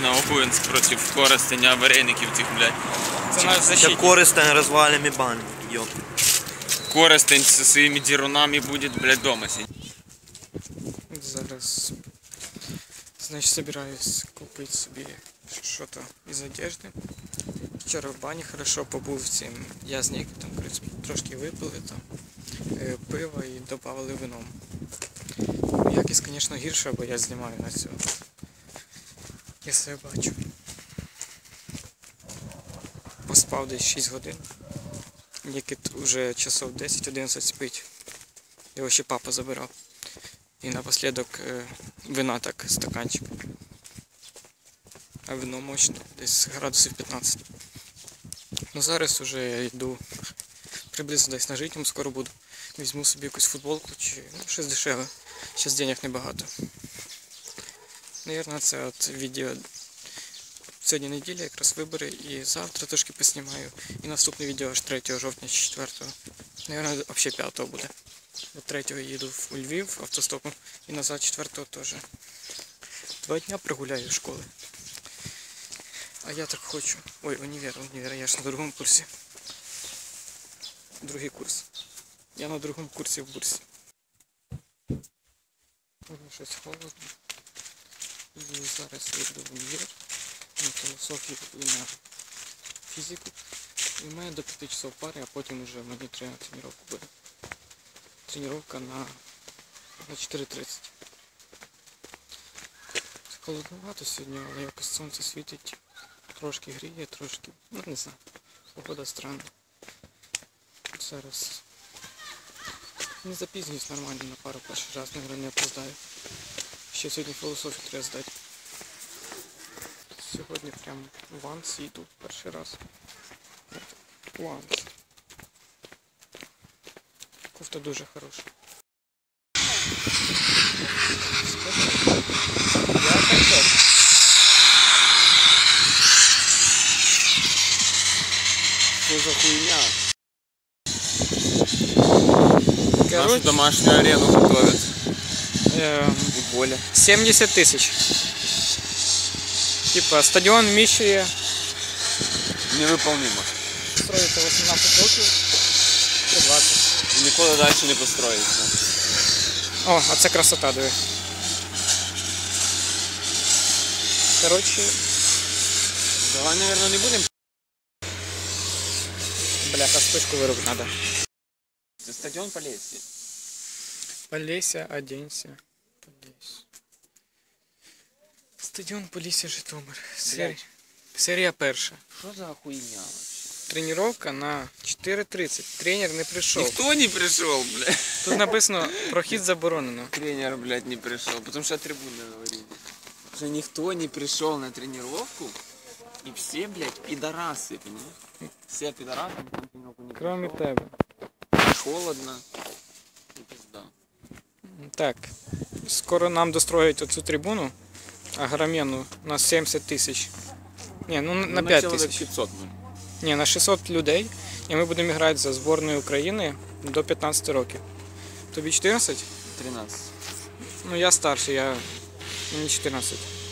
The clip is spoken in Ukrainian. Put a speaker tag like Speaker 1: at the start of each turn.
Speaker 1: на Огуєнськ проти Коростеня, Вареників цих, блядь.
Speaker 2: Це наш
Speaker 3: Це
Speaker 2: защитник.
Speaker 3: Коростень розвалим і бан, йоп.
Speaker 1: Коростень зі своїми дірунами буде, блядь, дома сидіти.
Speaker 2: Зараз, значить, собираюсь купити собі щось із одежди. Вчора в бані хорошо побув цим язнік, там, коротше, трошки випили там пиво і додавали вином. Якість, звісно, гірша, бо я знімаю на цього. Я себе бачу. Поспав десь 6 годин. Нікіт вже часов 10-11 спить. Його ще папа забирав. І напослідок вина так, стаканчик. А вино мощне, десь градусів 15. Ну зараз вже я йду приблизно десь на житньому, скоро буду. Візьму собі якусь футболку чи щось дешеве. Зараз денег небагато. Навірно, це от відео. Сьогодні неділя, якраз вибори, і завтра трошки поснімаю. І наступне відео аж 3 жовтня чи 4. Навірно, взагалі 5 буде. До 3 їду у Львів автостопом і назад 4 теж. 2 дня прогуляю школи. А я так хочу. Ой, універ, я ж на другому курсі. Другий курс. Я на другому курсі в бурсі. Щось холодно. І зараз я йду в універ. На філософію і на фізику. І в мене до 5 часов пари, а потім вже мені треба тренування буде. Тренування на 4:30. Холодновато сьогодні, але якось сонце світить. Трошки гріє, трошки, ну не знаю, погода странна. Зараз не запізнююсь нормально на пару перший раз, наверное, не опоздаю. Ще сьогодні філософію треба здати. Сьогодні прям в Ванс йду перший раз. Ванс. Кофта дуже хороша. Я качок.
Speaker 1: Що за хуйня? Нашу
Speaker 2: Короче,
Speaker 1: домашнюю арену готовят. И поле.
Speaker 2: 70 тисяч. Типа стадіон вміщує.
Speaker 1: Невыполнимо.
Speaker 2: Строїться 18 років. 20.
Speaker 1: І ніколи далі не построїться.
Speaker 2: О, а це красота, диви. Короче,
Speaker 1: Давай, наверное, не будем.
Speaker 2: бляха, спичку виробити треба.
Speaker 1: Це стадіон Полесье.
Speaker 2: Полесья, оденься. Полесья. Стадіон Полісся, Житомир. Серія перша.
Speaker 1: Що за хуйня?
Speaker 2: Тренування на 4:30. Тренер не прийшов.
Speaker 1: Ніхто не прийшов, блядь.
Speaker 2: Тут написано прохід заборонено.
Speaker 1: Тренер, блядь, не пришел, потому что трибуны говорили. Что никто не пришел на тренировку, и все, блядь, пидорасы, понимаешь? Все пидорасы, никто на тренировку не
Speaker 2: Кроме
Speaker 1: пришел.
Speaker 2: тебе.
Speaker 1: Холодно. И пизда.
Speaker 2: Так, скоро нам достроять оцю трибуну, огроменну, на 70 тисяч. Ні, ну на 5
Speaker 1: человек
Speaker 2: тисяч.
Speaker 1: 500, ну.
Speaker 2: Ні, на 600 людей. І ми будемо грати за збірною України до 15 років. Тобі 14?
Speaker 1: 13.
Speaker 2: Ну я старший, мені 14.